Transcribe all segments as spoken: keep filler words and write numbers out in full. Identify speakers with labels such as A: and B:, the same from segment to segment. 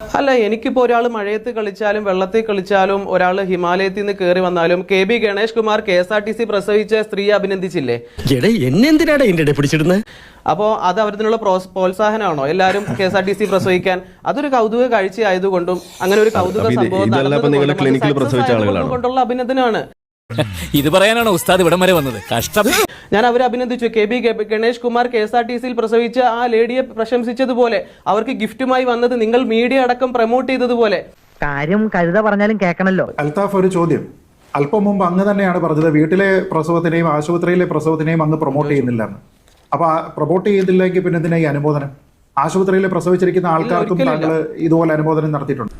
A: അല്ല, എനിക്കിപ്പോ ഒരാൾ മഴയത്ത് കളിച്ചാലും വെള്ളത്തിൽ കളിച്ചാലും ഒരാൾ ഹിമാലയത്തിൽ നിന്ന് കയറി വന്നാലും K B Ganesh Kumar K S R T C പ്രസവിച്ച സ്ത്രീയെ അഭിനന്ദിച്ചില്ലേ?
B: എന്നെന്തിനാണ് ഇതിന്റെ പിടിച്ചിടുന്നത്?
A: അപ്പോ അത് അവരിനുള്ള പ്രോത്സാഹനമാണോ എല്ലാവരും K S R T C പ്രസവിക്കാൻ? അതൊരു കൗതുക കാഴ്ച ആയതുകൊണ്ടും അങ്ങനെ ഒരു കൗതുക സംഭവം കൊണ്ടുള്ള അഭിനന്ദനമാണ്.
C: ഇത് പറയാനാണ് ഉസ്താദ് ഇവിടം വരെ വന്നത്. കഷ്ടം.
A: ഞാൻ അവരെ അഭിനന്ദിച്ചു. K B Ganesh Kumar K S R T സിയിൽ പ്രസവിച്ച ആ ലേഡിയെ പ്രശംസിച്ചതുപോലെ അവർക്ക് ഗിഫ്റ്റുമായി വന്നത് നിങ്ങൾ മീഡിയ അടക്കം പ്രൊമോട്ട് ചെയ്തതുപോലെ.
D: കാര്യം കരുത പറഞ്ഞാലും കേൾക്കണല്ലോ.
E: അൽത്താഫ്, ഒരു ചോദ്യം. അല്പം മുമ്പ് അങ്ങ് തന്നെയാണ് പറഞ്ഞത് വീട്ടിലെ പ്രസവത്തിനെയും ആശുപത്രിയിലെ പ്രസവത്തിനെയും അങ്ങ് പ്രൊമോട്ട് ചെയ്യുന്നില്ല എന്ന്. അപ്പൊ പ്രൊമോട്ട് ചെയ്തില്ലെങ്കിൽ പിന്നെ എന്തിനാ ഈ അനുമോദനം? ആശുപത്രിയിൽ പ്രസവിച്ചിരിക്കുന്ന ആൾക്കാർക്കും താങ്കൾ ഇതുപോലെ അനുമോദനം നടത്തിയിട്ടുണ്ട്.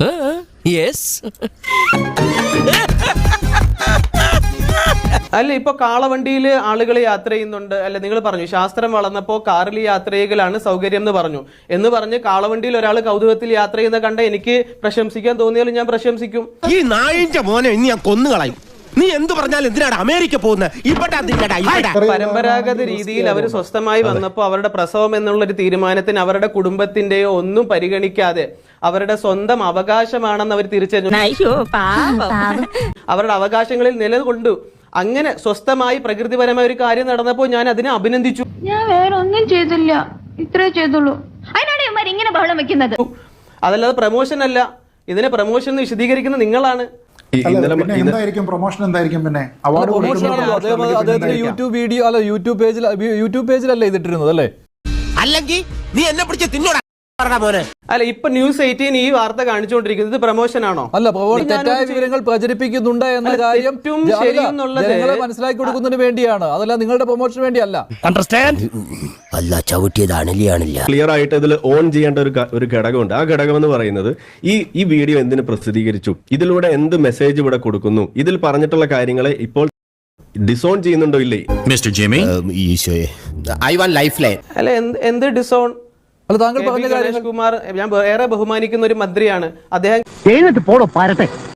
A: അല്ല, ഇപ്പൊ കാളവണ്ടിയിൽ ആളുകൾ യാത്ര ചെയ്യുന്നുണ്ട് അല്ലെ? നിങ്ങൾ പറഞ്ഞു ശാസ്ത്രം വളർന്നപ്പോ കാറിൽ യാത്ര ചെയ്യലാണ് സൗകര്യം എന്ന് പറഞ്ഞു. എന്ന് പറഞ്ഞ് കാളവണ്ടിയിൽ ഒരാൾ കൗതുകത്തിൽ യാത്ര ചെയ്യുന്ന കണ്ട എനിക്ക് പ്രശംസിക്കാൻ തോന്നിയാലും ഞാൻ പ്രശംസിക്കും.
B: ഈ നായിന്റെ മോനെ ഇനി ഞാൻ കൊന്നുകളയും. നീ എന്ത് പറഞ്ഞാലും എന്തിനാണ് അമേരിക്ക പോകുന്നത്?
A: പരമ്പരാഗത രീതിയിൽ അവർ സ്വസ്ഥമായി വന്നപ്പോൾ അവരുടെ പ്രസവം എന്നുള്ളൊരു തീരുമാനത്തിന് അവരുടെ കുടുംബത്തിന്റെയോ ഒന്നും പരിഗണിക്കാതെ അവരുടെ സ്വന്തം അവകാശമാണെന്ന് അവർ തിരിച്ചറിഞ്ഞു. അവരുടെ അവകാശങ്ങളിൽ നിലകൊണ്ടു. അങ്ങനെ സ്വസ്ഥമായി പ്രകൃതിപരമായ ഒരു കാര്യം നടന്നപ്പോൾ ഞാൻ അതിനെ അഭിനന്ദിച്ചു.
F: ഞാൻ വേറെ ഒന്നും ചെയ്തില്ല, ഇത്രേ ചെയ്തുള്ളൂ. അതിനാണ് ഇവന്മാർ ഇങ്ങനെ ബഹളം വെക്കുന്നത്.
A: അതല്ലാതെ പ്രമോഷൻ അല്ല. ഇതിനെ പ്രമോഷൻ എന്ന് വിശദീകരിക്കുന്ന നിങ്ങളാണ്.
E: എന്തായിരിക്കും പ്രൊമോഷൻ? എന്തായിരിക്കും പിന്നെ അവാർഡ്?
G: അദ്ദേഹത്തിന് യൂട്യൂബ് വീഡിയോ അല്ല, യൂട്യൂബ് പേജിൽ യൂട്യൂബ് പേജിലല്ലേ ഇതിട്ടിരുന്നത് അല്ലേ?
B: അല്ലെങ്കിൽ നീ എന്നെ പിടിച്ച് തിന്നോടാ.
A: അല്ല, ഇപ്പൊ ന്യൂസ് എയ്റ്റീൻ ഈ വാർത്ത കാണിച്ചുകൊണ്ടിരിക്കുന്നത് പ്രൊമോഷൻ ആണോ?
G: അല്ല, തെറ്റായ വിവരങ്ങൾ പ്രചരിപ്പിക്കുന്നുണ്ട് എന്ന കാര്യം ജനങ്ങളെ മനസ്സിലാക്കി കൊടുക്കുന്നതിന് വേണ്ടിയാണ്. അതല്ല നിങ്ങളുടെ പ്രൊമോഷന് വേണ്ടിയല്ല.
B: അല്ല, ചവിട്ടിയതാണില്ല.
H: ക്ലിയർ ആയിട്ട് ഇതിൽ ഓൺ ചെയ്യേണ്ട ഒരു ഒരു ഘടകമുണ്ട്. ആ ഘടകം എന്ന് പറയുന്നത് ഈ ഈ വീഡിയോ എന്തിനു പ്രസിദ്ധീകരിച്ചു, ഇതിലൂടെ എന്ത് മെസ്സേജ് ഇവിടെ കൊടുക്കുന്നു, ഇതിൽ പറഞ്ഞിട്ടുള്ള കാര്യങ്ങളെ ഇപ്പോൾ ഡിസോൺ ചെയ്യുന്നുണ്ടോ ഇല്ലേ?
C: Mister Jimmy,
B: I want life line.
A: അല്ല, എന്ത് ഡിസോൺ?
G: അല്ല, താങ്കൾ പറഞ്ഞ
A: ഗണേഷ് കുമാർ ഞാൻ ഏറെ ബഹുമാനിക്കുന്ന ഒരു മന്ത്രിയാണ് അദ്ദേഹം.
D: പോടോ പാരട്ടെ.